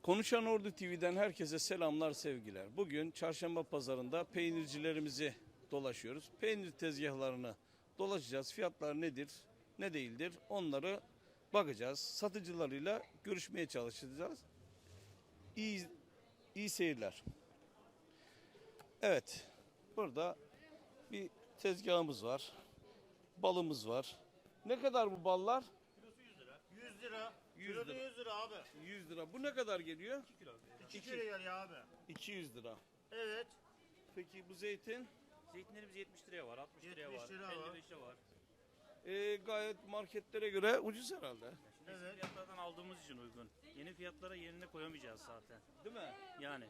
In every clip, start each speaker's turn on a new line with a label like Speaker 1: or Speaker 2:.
Speaker 1: Konuşan Ordu TV'den herkese selamlar, sevgiler. Bugün çarşamba pazarında peynircilerimizi dolaşıyoruz. Peynir tezgahlarını dolaşacağız. Fiyatlar nedir, ne değildir onları bakacağız. Satıcılarıyla görüşmeye çalışacağız. İyi seyirler. Evet, burada bir tezgahımız var. Balımız var. Ne kadar bu ballar?
Speaker 2: Kilosu 100 lira. 100 lira.
Speaker 1: 100
Speaker 2: Kilosu
Speaker 1: lira.
Speaker 2: 100 lira abi.
Speaker 1: 100 lira. Bu ne kadar geliyor?
Speaker 2: 2 kilo. 2 kilo geliyor abi.
Speaker 1: 200 lira.
Speaker 2: Evet.
Speaker 1: Peki bu zeytin?
Speaker 3: Zeytinlerimiz 70 liraya var, 60 liraya
Speaker 2: 70
Speaker 3: var,
Speaker 2: lira var.
Speaker 3: 55'e var.
Speaker 1: Gayet marketlere göre ucuz herhalde.
Speaker 3: Şimdi eski
Speaker 2: Evet.
Speaker 3: fiyatlardan aldığımız için uygun. Yeni fiyatlara yerine koyamayacağız zaten.
Speaker 1: Değil mi?
Speaker 3: Yani.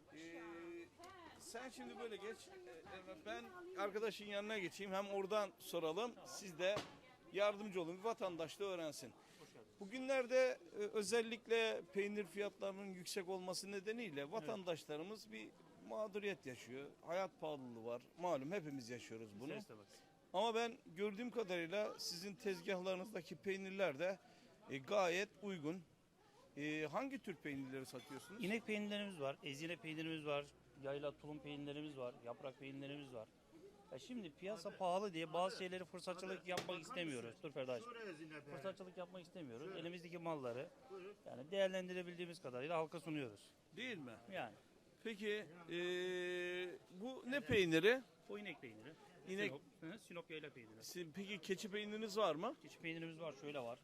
Speaker 1: Sen şimdi böyle geç. Ben arkadaşın yanına geçeyim. Hem oradan soralım. Siz de yardımcı olun. Bir vatandaş da öğrensin. Bugünlerde özellikle peynir fiyatlarının yüksek olması nedeniyle vatandaşlarımız bir mağduriyet yaşıyor. Hayat pahalılığı var. Malum hepimiz yaşıyoruz bunu.
Speaker 3: İsterse bak.
Speaker 1: Ama ben gördüğüm kadarıyla sizin tezgahlarınızdaki peynirler de gayet uygun. Hangi tür peynirleri satıyorsunuz?
Speaker 3: İnek peynirlerimiz var, ezine peynirimiz var, yayla tulum peynirlerimiz var, yaprak peynirlerimiz var. Ya şimdi piyasa pahalı diye bazı şeyleri fırsatçılık yapmak istemiyoruz. Dur Ferdaş.
Speaker 2: Şuraya zinnet.
Speaker 3: Fırsatçılık yapmak istemiyoruz. Elimizdeki malları yani değerlendirebildiğimiz kadarıyla halka sunuyoruz.
Speaker 1: Değil mi?
Speaker 3: Yani
Speaker 1: Peki bu ne peyniri?
Speaker 3: o inek peyniri.
Speaker 1: İnek-
Speaker 3: Sinop yayla peyniri.
Speaker 1: Peki keçi peyniriniz var mı?
Speaker 3: Keçi peynirimiz var, şöyle var.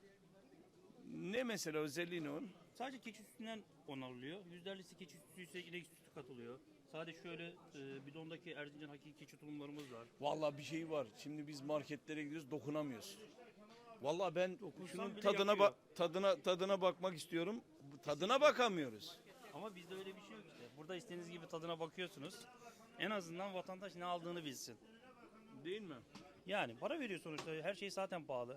Speaker 1: Ne mesela özelliği ne onun?
Speaker 3: Sadece keçi sütünden alıyor. %50'si keçi sütü ise inek sütü katılıyor. Sadece şöyle bidondaki Erzincan hakiki keçi tulumlarımız var.
Speaker 1: Vallahi bir şey var. Şimdi biz marketlere gidiyoruz, dokunamıyoruz. Vallahi ben şunun
Speaker 3: bile
Speaker 1: tadına
Speaker 3: yakıyor.
Speaker 1: tadına bakmak istiyorum. Tadına bakamıyoruz.
Speaker 3: Ama bizde öyle bir şey yok işte. Burada istediğiniz gibi tadına bakıyorsunuz. En azından vatandaş ne aldığını bilsin.
Speaker 1: Değil mi?
Speaker 3: Yani para veriyor sonuçta. Her şey zaten pahalı.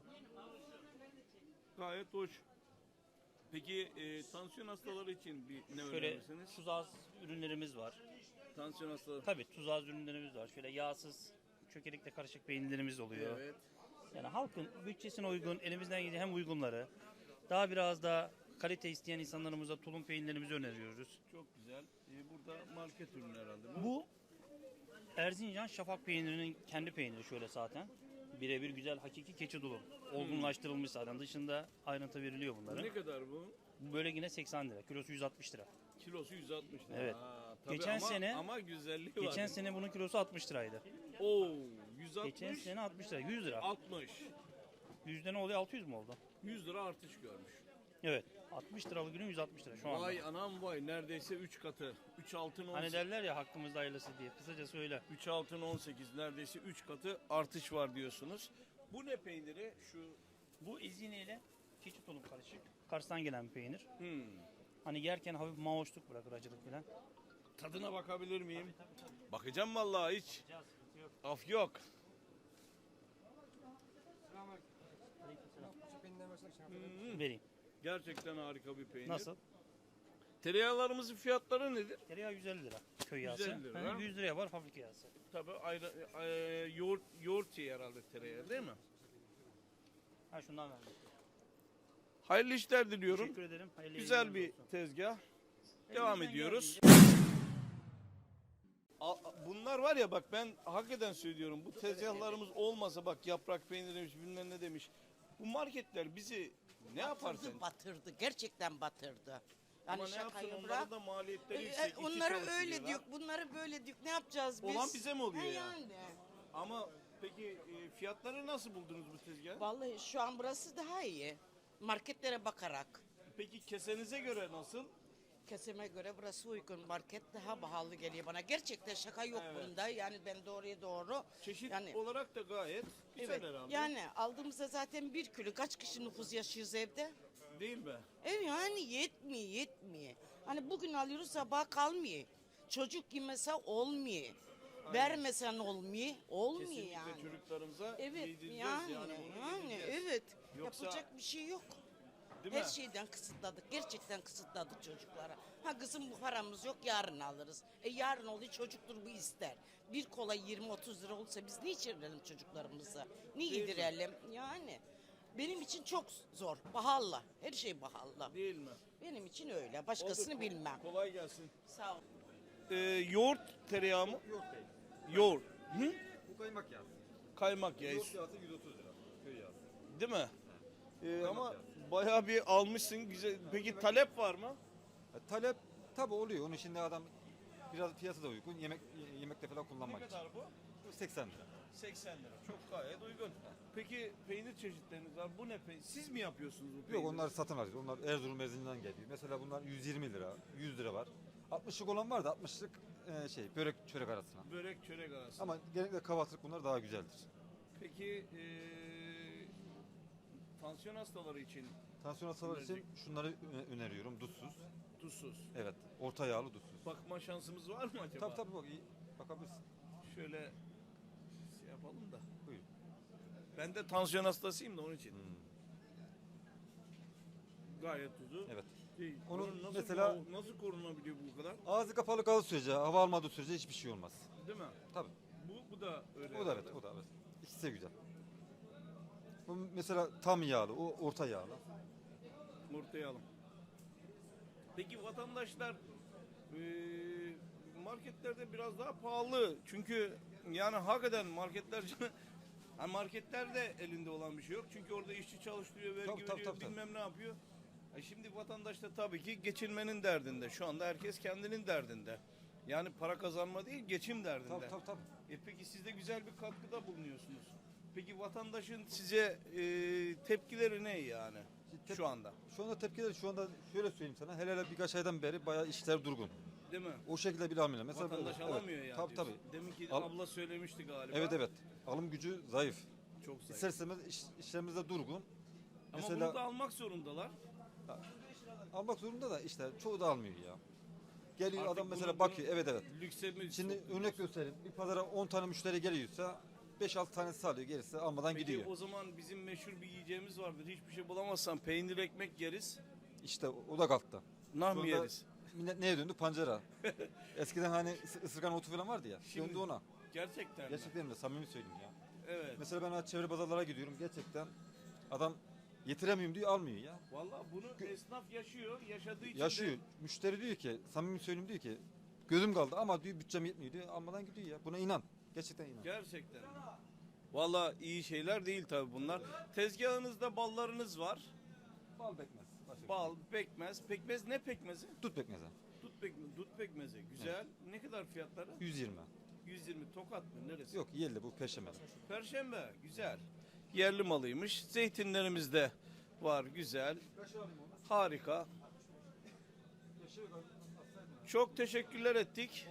Speaker 1: Gayet hoş. Peki tansiyon hastaları için ne
Speaker 3: Şöyle
Speaker 1: önerirsiniz?
Speaker 3: tuz az ürünlerimiz var.
Speaker 1: Tansiyon hastaları.
Speaker 3: Tabii tuz az ürünlerimiz var. Şöyle yağsız, çökelikle karışık peynirlerimiz oluyor.
Speaker 1: Evet.
Speaker 3: Yani halkın bütçesine uygun, elimizden geldiği hem uygunları, daha biraz da kalite isteyen insanlarımıza tulum peynirlerimizi öneriyoruz.
Speaker 1: Çok güzel. Burada market ürünü herhalde.
Speaker 3: Bu Erzincan Şafak peynirinin kendi peyniri şöyle zaten. Birebir güzel hakiki keçi dolu. Olgunlaştırılmış zaten. Dışında ayrıntı veriliyor bunların.
Speaker 1: Ne kadar bu?
Speaker 3: Bu böyle yine 80 lira. Kilosu 160 lira.
Speaker 1: Kilosu 160 lira.
Speaker 3: Evet.
Speaker 1: Tabii
Speaker 3: Geçen
Speaker 1: ama,
Speaker 3: sene-
Speaker 1: ama güzelliği var.
Speaker 3: Geçen sene bunun kilosu 60 liraydı.
Speaker 1: Oo, 160.
Speaker 3: Geçen sene 60 lira. 100 lira.
Speaker 1: 60.
Speaker 3: Yüzde ne oluyor? 600 mü oldu?
Speaker 1: 100 lira artış görmüş.
Speaker 3: Evet. 60 liralık ürün 160 lira şu anda.
Speaker 1: Vay anam vay, neredeyse 3 katı. 3 altın 18.
Speaker 3: Hani derler ya hakkımızda hayırlısı diye. Kısacası öyle.
Speaker 1: 3 altın 18, neredeyse 3 katı artış var diyorsunuz. Bu ne peyniri?
Speaker 3: Bu ezineyle keçi tulum karışık. Kars'tan gelen bir peynir.
Speaker 1: Hmm.
Speaker 3: Hani yerken hafif mahoşluk bırakır, acılık falan.
Speaker 1: Tadına bakabilir miyim? Bakacağım vallahi hiç.
Speaker 3: Ya sıkıntı yok.
Speaker 1: Af yok.
Speaker 3: Vereyim.
Speaker 1: Gerçekten harika bir peynir.
Speaker 3: Nasıl?
Speaker 1: Tereyağlarımızın fiyatları nedir?
Speaker 3: Tereyağı 150 lira. Köy yağısı.
Speaker 1: 150 lira.
Speaker 3: Hı, 100 liraya var fabrika yağısı.
Speaker 1: Tabii yoğurt şey herhalde tereyağı değil mi?
Speaker 3: Ha şundan verdim.
Speaker 1: Hayırlı işler diliyorum.
Speaker 3: Teşekkür ederim. Hayırlı
Speaker 1: Güzel
Speaker 3: yayınlar
Speaker 1: bir
Speaker 3: olsun.
Speaker 1: tezgah. Devam
Speaker 3: Elimizden
Speaker 1: ediyoruz.
Speaker 3: geldiğince-
Speaker 1: Bunlar var ya, bak ben hakikaten söylüyorum, bu tezgahlarımız olmasa, bak yaprak peyniri demiş, bilmem ne demiş. Bu marketler bizi ne yapar sen?
Speaker 4: Batırdı. Gerçekten batırdı. Yani
Speaker 1: Ama ne yapsın,
Speaker 4: şakayı
Speaker 1: onların
Speaker 4: bırak.
Speaker 1: da maliyetleri yüksek. iki
Speaker 4: Onları
Speaker 1: çalışıyorlar.
Speaker 4: öyle diyor, bunları böyle diyor. Ne yapacağız biz?
Speaker 1: Olan bize mi oluyor
Speaker 4: He
Speaker 1: ya?
Speaker 4: yani.
Speaker 1: Ama peki fiyatları nasıl buldunuz bu tezgahı?
Speaker 4: Vallahi şu an burası daha iyi. Marketlere bakarak.
Speaker 1: Peki kesenize göre nasıl?
Speaker 4: Kesime göre burası uygun. Market daha pahalı geliyor bana. Gerçekten şaka yok
Speaker 1: Evet.
Speaker 4: bunda. Yani ben doğruya doğru.
Speaker 1: Çeşit
Speaker 4: Yani
Speaker 1: olarak da gayet güzel
Speaker 4: evet.
Speaker 1: herhalde.
Speaker 4: Yani aldığımızda zaten 1 kilo. Kaç kişi nüfus yaşıyoruz evde?
Speaker 1: Değil mi?
Speaker 4: Yani yetmiyor. Hani bugün alıyoruz sabah kalmıyor. Çocuk yemese olmuyor. Vermesen olmuyor
Speaker 1: Kesinlikle
Speaker 4: yani.
Speaker 1: çocuklarımıza
Speaker 4: Evet
Speaker 1: yedireceğiz
Speaker 4: yani
Speaker 1: bunu yedireceğiz.
Speaker 4: evet.
Speaker 1: Yoksa-
Speaker 4: Yapacak bir şey yok.
Speaker 1: Değil
Speaker 4: Her
Speaker 1: mi?
Speaker 4: şeyden kısıtladık. Gerçekten kısıtladık çocuklara. Ha kızım bu paramız yok, yarın alırız. Yarın oluyor, çocuktur bu ister. Bir kola 20-30 lira olsa biz ne içirelim çocuklarımıza? Ne
Speaker 1: Değil mi?
Speaker 4: yedirelim? Yani Benim için çok zor. Pahalı. Her şey pahalı.
Speaker 1: Değil mi?
Speaker 4: Benim için öyle. Başkasını
Speaker 1: Oldu.
Speaker 4: bilmem.
Speaker 1: Kolay gelsin.
Speaker 4: Sağ ol.
Speaker 1: Yoğurt tereyağı mı?
Speaker 5: Yok değil.
Speaker 1: Yoğurt. Hı?
Speaker 5: Bu kaymak yağı.
Speaker 1: Kaymak yağı.
Speaker 5: Yoğurt yağısı 130 lira. Köy yağı.
Speaker 1: Değil mi? Ama
Speaker 5: yağı.
Speaker 1: bayağı bir almışsın. Güzel. Peki talep var mı?
Speaker 5: Talep tabi oluyor. Onun şimdi adam biraz fiyatı da uygun. Yemekte falan
Speaker 1: Ne
Speaker 5: kullanmak için.
Speaker 1: kadar bu?
Speaker 5: Bu 80 lira.
Speaker 1: 80 lira. Çok gayet uygun. Peki peynir çeşitleriniz var. Bu ne peynir? Siz mi yapıyorsunuz bu peyniri?
Speaker 5: Yok onlar satın alıyoruz. Onlar Erzurum Erzincan'dan geliyor. Mesela bunlar 120 lira, 100 lira var. 60'lık olan var da 60'lık börek çörek arasına.
Speaker 1: Börek çörek arası.
Speaker 5: Ama genellikle kahvaltılık bunlar daha güzeldir.
Speaker 1: Peki tansiyon hastaları için
Speaker 5: Tansiyon hastaları için şunları öneriyorum. Duzsuz.
Speaker 1: tuzsuz.
Speaker 5: Evet. Orta yağlı duzsuz.
Speaker 1: Bakma şansımız var mı acaba?
Speaker 5: Tabii bak iyi. Bakabilirsin.
Speaker 1: Şöyle şey yapalım da.
Speaker 5: Buyur.
Speaker 1: Ben de tansiyon hastasıyım da onun için. Gayet tuzu.
Speaker 5: Evet.
Speaker 1: Değil.
Speaker 5: Onu
Speaker 1: Bunun nasıl,
Speaker 5: mesela-
Speaker 1: nasıl korunabiliyor bu kadar?
Speaker 5: Ağzı kapalı kaldığı sürece, hava almadığı sürece hiçbir şey olmaz.
Speaker 1: Değil mi?
Speaker 5: Tabii.
Speaker 1: Bu da öyle.
Speaker 5: O da evet, o da evet. İkisi de güzel. Bu mesela tam yağlı, o orta yağlı.
Speaker 1: Ortaya alın. Peki vatandaşlar marketlerde biraz daha pahalı. Çünkü yani hakikaten marketler ha, marketlerde elinde olan bir şey yok. Çünkü orada işçi çalıştırıyor, vergi
Speaker 5: Tabii,
Speaker 1: veriyor,
Speaker 5: tabii.
Speaker 1: bilmem ne yapıyor. Şimdi vatandaş da tabii ki geçinmenin derdinde. Şu anda herkes kendinin derdinde. Yani para kazanma değil, geçim derdinde.
Speaker 5: Tabii.
Speaker 1: Peki siz de güzel bir katkıda bulunuyorsunuz. Peki vatandaşın size tepkileri ne yani şu anda?
Speaker 5: Şu anda tepkiler şu anda şöyle söyleyeyim sana. Hele birkaç aydan beri bayağı işler durgun.
Speaker 1: Değil mi?
Speaker 5: O şekilde bir almıyorlar. Mesela
Speaker 1: Vatandaş
Speaker 5: evet,
Speaker 1: alamıyor yani.
Speaker 5: Tabii
Speaker 1: diyorsun.
Speaker 5: tabii.
Speaker 1: Demin ki
Speaker 5: Al-
Speaker 1: abla söylemişti galiba.
Speaker 5: Evet. Alım gücü zayıf.
Speaker 1: Çok zayıf.
Speaker 5: İster istemez işlerimiz de durgun.
Speaker 1: Ama
Speaker 5: Mesela
Speaker 1: bunu da almak zorundalar.
Speaker 5: almak zorunda da işte çoğu da almıyor ya. Geliyor
Speaker 1: Artık
Speaker 5: adam mesela
Speaker 1: bunu-
Speaker 5: bakıyor. Evet.
Speaker 1: Lükse mi
Speaker 5: Şimdi
Speaker 1: sokuyoruz?
Speaker 5: örnek göstereyim. Bir pazara 10 tane müşteri geliyorsa 5-6 tanesi alıyor. Gerisi almadan
Speaker 1: Peki
Speaker 5: gidiyor.
Speaker 1: o zaman bizim meşhur bir yiyeceğimiz vardır. Hiçbir şey bulamazsan peynir ekmek yeriz.
Speaker 5: İşte o da kalktı.
Speaker 1: Nah
Speaker 5: Şu
Speaker 1: mı
Speaker 5: anda
Speaker 1: yeriz?
Speaker 5: Millet neye döndü? Pancara. Eskiden hani ısırgan otu falan vardı ya.
Speaker 1: Şimdi-
Speaker 5: Döndü ona.
Speaker 1: Gerçekten mi?
Speaker 5: Gerçekten de samimi söyleyeyim ya.
Speaker 1: Evet.
Speaker 5: Mesela ben çevre pazarlara gidiyorum. Gerçekten adam getiremiyorum diyor almıyor ya.
Speaker 1: Vallahi bunu esnaf yaşıyor. Yaşadığı için
Speaker 5: Yaşıyor.
Speaker 1: de
Speaker 5: Müşteri diyor ki samimi söyleyeyim diyor ki gözüm kaldı ama diyor bütçem yetmiyor diyor. Almadan gidiyor ya. Buna inan. Gerçekten inan.
Speaker 1: gerçekten. Vallahi iyi şeyler değil tabii bunlar. Tezgahınızda ballarınız var.
Speaker 5: Bal pekmez. Başka
Speaker 1: Bal, pekmez. Pekmez ne pekmezi?
Speaker 5: Dut pekmezi.
Speaker 1: Dut pekmezi. Güzel. Ne kadar fiyatları?
Speaker 5: 120.
Speaker 1: 120. Tokat mı? Neresi?
Speaker 5: Yok yerli bu Perşembe.
Speaker 1: Perşembe. Güzel. Yerli malıymış. Zeytinlerimiz de var. Güzel. Harika. Çok teşekkürler ettik.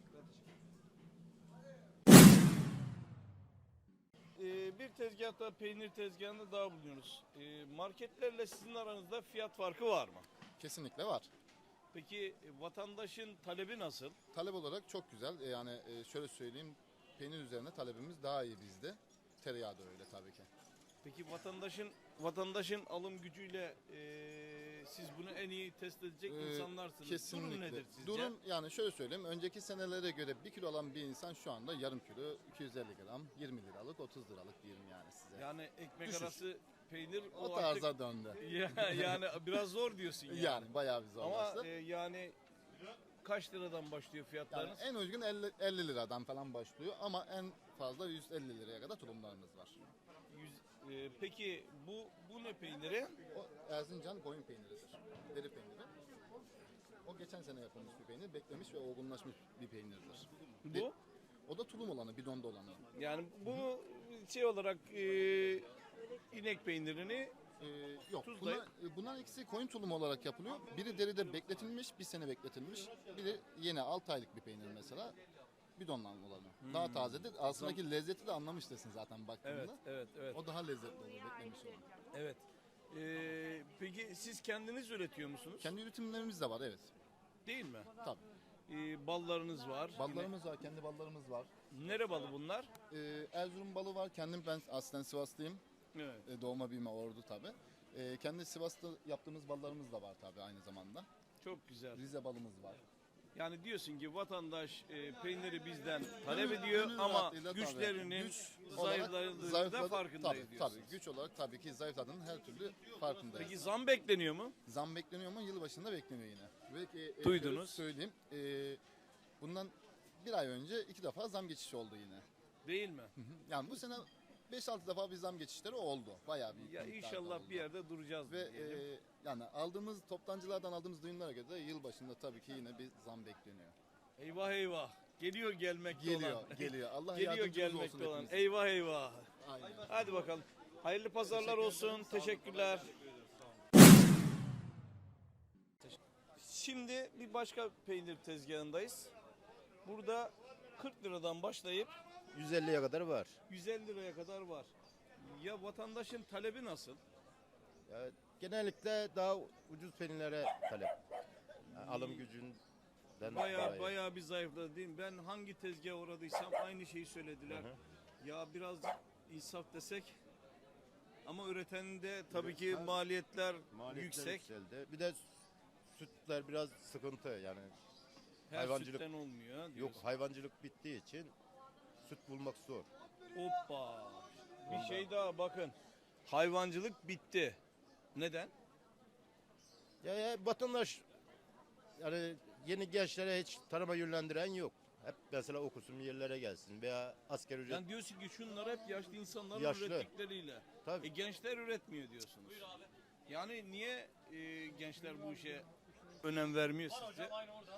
Speaker 1: Bir tezgahta, peynir tezgahında daha bulunuyoruz. Marketlerle sizin aranızda fiyat farkı var mı?
Speaker 6: Kesinlikle var.
Speaker 1: Peki vatandaşın talebi nasıl?
Speaker 6: Talep olarak çok güzel. Yani şöyle söyleyeyim, peynir üzerine talebimiz daha iyi bizde. Tereyağı da öyle tabii ki.
Speaker 1: Peki vatandaşın alım gücüyle siz bunu en iyi test edecek insanlarsınız.
Speaker 6: Kesinlikle.
Speaker 1: Durum nedir sizce?
Speaker 6: Durum yani şöyle söyleyeyim. Önceki senelere göre 1 kilo alan bir insan şu anda yarım kilo 250 gram 20 liralık 30 liralık diyeyim yani size.
Speaker 1: Yani ekmek
Speaker 6: Düşüş.
Speaker 1: arası peynir
Speaker 6: o
Speaker 1: artık-
Speaker 6: tarza döndü.
Speaker 1: yani biraz zor diyorsun yani.
Speaker 6: Yani bayağı bir zorlaştı.
Speaker 1: Ama yani kaç liradan başlıyor
Speaker 6: Yani
Speaker 1: fiyatlarınız?
Speaker 6: en uygun 50 liradan falan başlıyor ama en fazla 150 liraya kadar tulumlarımız var.
Speaker 1: Peki bu ne peyniri?
Speaker 6: O Erzincan koyun peyniridir. Deri peyniri. O geçen sene yapılmış bir peynir. Beklemiş ve olgunlaşmış bir peynirdir.
Speaker 1: Bu?
Speaker 6: O da tulum olanı, bidonda olanı.
Speaker 1: Yani bunu şey olarak inek peynirini
Speaker 6: Yok.
Speaker 1: Tuzlayıp-
Speaker 6: Bunlar ikisi koyun tulumu olarak yapılıyor. Biri deride bekletilmiş, bir sene bekletilmiş. Biri yine 6 aylık bir peynir mesela. Bidonla olanı. Daha tazedir. Aslındaki lezzeti de anlamıştırsın zaten baktığında.
Speaker 1: evet.
Speaker 6: O daha lezzetli olur beklemiş olan.
Speaker 1: Evet. Peki siz kendiniz üretiyor musunuz?
Speaker 6: Kendi üretimlerimiz de var evet.
Speaker 1: Değil mi?
Speaker 6: Tabii.
Speaker 1: Ballarınız var.
Speaker 6: Ballarımız var, kendi ballarımız var.
Speaker 1: Nere balı bunlar?
Speaker 6: Erzurum balı var. Kendim ben aslen Sivaslıyım.
Speaker 1: Evet.
Speaker 6: Doğma büyüme Ordu tabii. Kendi Sivas'ta yaptığımız ballarımız da var tabii aynı zamanda.
Speaker 1: Çok güzel.
Speaker 6: Rize balımız var.
Speaker 1: Yani diyorsun ki vatandaş peyniri bizden talep ediyor
Speaker 6: Gönül
Speaker 1: ama
Speaker 6: rahatlığıyla tabii.
Speaker 1: güçlerinin
Speaker 6: Güç olarak
Speaker 1: zayıfladığında da farkındayız
Speaker 6: tabii,
Speaker 1: diyorsunuz.
Speaker 6: tabii, güç olarak tabii ki zayıfladığının her türlü farkındayız.
Speaker 1: Peki zam bekleniyor mu?
Speaker 6: Zam bekleniyor mu? Yılbaşında bekleniyor yine. Belki
Speaker 1: Duydunuz.
Speaker 6: söyleyeyim. Bundan bir ay önce 2 defa zam geçişi oldu yine.
Speaker 1: Değil mi?
Speaker 6: Yani bu sene 5-6 defa bir zam geçişleri oldu. Bayağı büyük
Speaker 1: Ya
Speaker 6: bir miktarda
Speaker 1: inşallah
Speaker 6: oldu.
Speaker 1: bir yerde duracağız
Speaker 6: Ve
Speaker 1: diyelim.
Speaker 6: yani toptancılardan aldığımız duyumlara göre de yılbaşında tabii ki yine bir zam bekleniyor.
Speaker 1: Eyvah eyvah. Geliyor gelmekte
Speaker 6: Geliyor,
Speaker 1: olan.
Speaker 6: geliyor. Allah
Speaker 1: Geliyor
Speaker 6: yardımcımız olsun
Speaker 1: gelmekte olan.
Speaker 6: hepimize.
Speaker 1: Eyvah eyvah.
Speaker 6: Aynen.
Speaker 1: Hadi bakalım. Hayırlı pazarlar olsun. Teşekkürler. Şimdi bir başka peynir tezgahındayız. Burada 40 liradan başlayıp
Speaker 7: 150'ye kadar var.
Speaker 1: 150 liraya kadar var. Ya vatandaşın talebi nasıl?
Speaker 7: Ya, genellikle daha ucuz peynirlere talep. Yani alım gücünden dolayı.
Speaker 1: Bayağı bir zayıfladı değil mi? Ben hangi tezgaha uğradıysam aynı şeyi söylediler. Ya biraz insaf desek ama üreteninde tabii ki maliyetler yüksek.
Speaker 7: Yükseldi. Bir de sütler biraz sıkıntı yani.
Speaker 1: Her
Speaker 7: hayvancılık-
Speaker 1: sütten olmuyor.
Speaker 7: Yok,
Speaker 1: diyorsun.
Speaker 7: hayvancılık bittiği için süt bulmak zor.
Speaker 1: Hoppa. Bir şey daha bakın. Hayvancılık bitti. Neden?
Speaker 7: Ya vatandaş yani yeni gençlere hiç tarıma yönlendiren yok. Hep mesela okusun bir yerlere gelsin veya asgari ücret.
Speaker 1: Yani diyorsun ki şunlar hep yaşlı insanların
Speaker 7: Yaşlı.
Speaker 1: ürettikleriyle.
Speaker 7: Tabii.
Speaker 1: Gençler üretmiyor diyorsunuz. Yani niye gençler bu işe önem vermiyor sizce?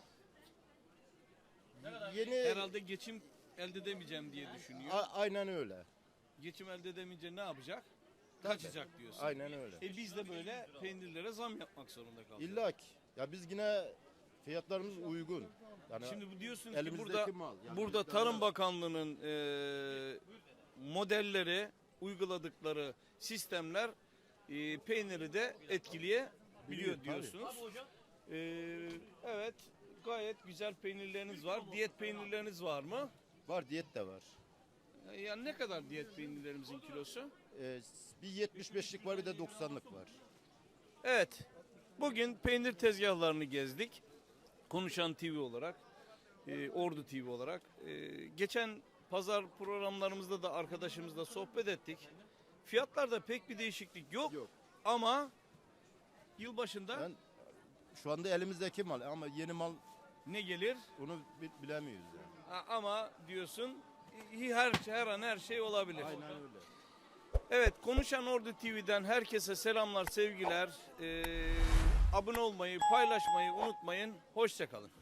Speaker 7: Yeni
Speaker 1: Herhalde geçim elde edemeyeceğim diye düşünüyor.
Speaker 7: aynen öyle.
Speaker 1: Geçim elde edemeyince ne yapacak? Kaçacak diyorsun.
Speaker 7: Aynen öyle.
Speaker 1: Biz de böyle peynirlere zam yapmak zorunda kalacağız.
Speaker 7: İlla ki. Ya biz yine fiyatlarımız uygun. Yani
Speaker 1: Şimdi bu diyorsunuz ki
Speaker 7: elimizdeki
Speaker 1: burada
Speaker 7: mal. Yani
Speaker 1: burada
Speaker 7: bizden
Speaker 1: Tarım
Speaker 7: biraz-
Speaker 1: Bakanlığı'nın modelleri, uyguladıkları sistemler peyniri de etkileyebiliyor
Speaker 7: Biliyor, tabii.
Speaker 1: diyorsunuz. Evet, gayet güzel peynirleriniz var. Diyet peynirleriniz var mı?
Speaker 7: var, diyet de var.
Speaker 1: Yani ne kadar diyet peynirlerimizin kilosu?
Speaker 7: Bir 75'lik var bir de 90'lık var.
Speaker 1: Evet, bugün peynir tezgahlarını gezdik. Konuşan TV olarak, Ordu TV olarak. Geçen pazar programlarımızda da arkadaşımızla sohbet ettik. Fiyatlarda pek bir değişiklik yok.
Speaker 7: Yok.
Speaker 1: Ama yılbaşında
Speaker 7: Ben şu anda elimizdeki mal ama yeni mal
Speaker 1: ne gelir?
Speaker 7: onu bilemiyoruz yani.
Speaker 1: Ama diyorsun her an her şey olabilir.
Speaker 7: Aynen öyle.
Speaker 1: Evet, Konuşan Ordu TV'den herkese selamlar, sevgiler. Abone olmayı, paylaşmayı unutmayın. Hoşça kalın.